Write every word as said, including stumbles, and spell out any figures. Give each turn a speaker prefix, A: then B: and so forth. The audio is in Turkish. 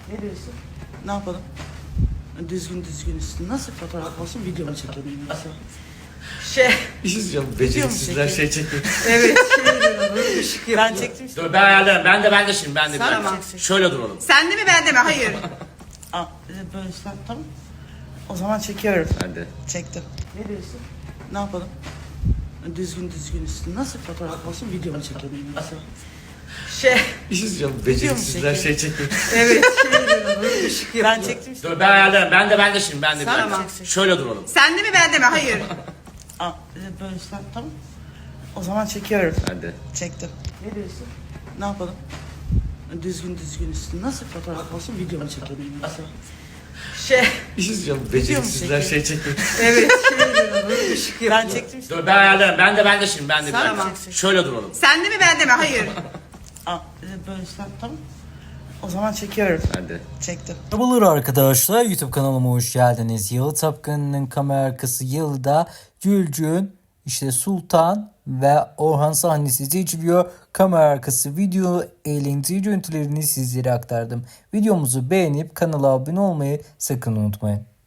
A: Ne diyorsun? Ne yapalım? Düzgün düzgün üstü. Nasıl fotoğraf olsun, video mu çekelim yoksa?
B: Şey,
C: Bir şey söyleyeceğim.
A: Video mu
C: Beceriksizler
A: çekiyor?
C: şey çekiyor.
B: evet şey böyle ışık
A: Ben
B: yapıyor.
A: çektim işte.
D: Dur ben ayarlarım. Ben de ben de şimdi ben de.
A: Sen
D: bir
A: mi
D: dakika.
A: çekeceksin?
D: Şöyle duralım.
B: Sen de mi ben de mi? Hayır.
A: Aa, e, böyle işte, tamam. O zaman çekiyorum.
C: Ben de.
A: Çektim. Ne diyorsun? Ne yapalım? Düzgün düzgün üstü. Nasıl fotoğraf olsun, video mu çekelim yoksa?
B: Şey,
C: Bir şey söyleyeceğim.
A: Video mu
C: Beceriksizler
A: çekiyor?
C: şey çekiyor.
B: evet şey böyle ışık yapıyor.
A: Ben çektim işte.
D: Dur ben ayarlarım. Ben de ben de şimdi ben de. bir
A: Sen mi
D: dakika.
A: çekeceksin?
D: Şöyle duralım.
B: Sen de mi ben de mi? Hayır.
A: Aa, e, böyle işte, tamam. O zaman çekiyorum.
C: Ben de.
A: Çektim. Ne diyorsun? Ne yapalım? Düzgün düzgün üstü. Nasıl fotoğraf olsun, video mu çekelim yoksa?
B: Şey,
C: Bir şey söyleyeceğim.
A: Video mu
C: Beceriksizler
A: çekiyor?
C: şey çekiyor.
B: evet şey böyle ışık yapıyor.
A: Ben çektim işte.
D: Dur ben ayarlarım. Ben de ben de şimdi ben de. bir
A: Sen mi
D: dakika.
A: çekeceksin?
D: Şöyle duralım.
B: Sen de mi ben de mi? Hayır.
A: Aa, e, böyle işte, tamam. O zaman çekiyorum.
C: Ben de.
A: Çektim.
E: Merhabalar arkadaşlar, YouTube kanalıma hoş geldiniz. Yalı Tapkanı'nın kamera arkası Yalı'da Gülcün, işte Sultan ve Orhan sahnesi seçiliyor. Kamera arkası video eğlenceli görüntülerini sizlere aktardım. Videomuzu beğenip kanala abone olmayı sakın unutmayın.